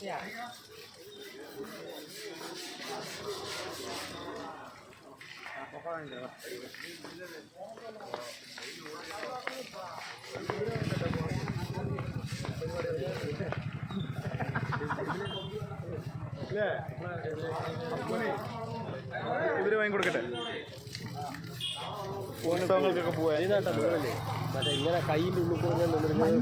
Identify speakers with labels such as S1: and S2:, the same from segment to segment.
S1: ഇവര് വാങ്ങി കൊടുക്കട്ടെ ഫോട്ടോകൾക്കൊക്കെ പോവാൻ
S2: മറ്റേ ഇങ്ങനെ കയ്യിൻ്റെ ഉള്ളിൽ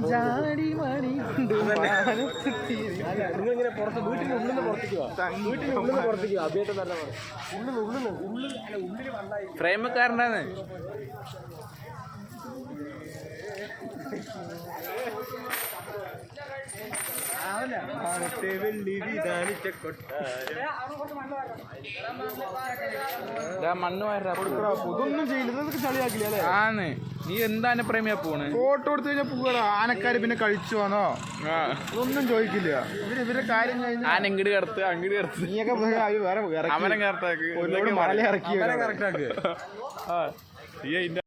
S2: നിങ്ങളിങ്ങനെ പുറത്ത് വീട്ടിൻ്റെ ഉള്ളിൽ നിന്ന് പുറത്തേക്ക് വീട്ടിൻ്റെ ഉള്ളിൽ നിന്ന് പുറത്തേക്ക് അഭിയേട്ടം തന്നെ ഉള്ളിൽ വന്നായി
S1: ഫ്രെയിമക്കാരനാണ് മണ്ണ്
S2: ഇതൊന്നും ചെയ്യില്ല ചളിയാക്കില്ല
S1: ആന്ന് നീ എന്താണ് പ്രേമിയാ പോണ്
S2: ഫോട്ടോ എടുത്തു കഴിഞ്ഞാൽ പോവാ ആനക്കാര് പിന്നെ കഴിച്ചു വന്നോ ഇതൊന്നും ചോദിക്കില്ല ഇവരുടെ കാര്യം കഴിഞ്ഞാൽ
S1: ആന ഇങ്ങോട്ട് കിടത്ത് അങ്ങോട്ട് കിടത്ത്
S2: നീയൊക്കെ വേറെ
S1: അവനെ കറക്റ്റാക്ക്
S2: മല ഇറക്കി
S1: കറക്റ്റാക്ക്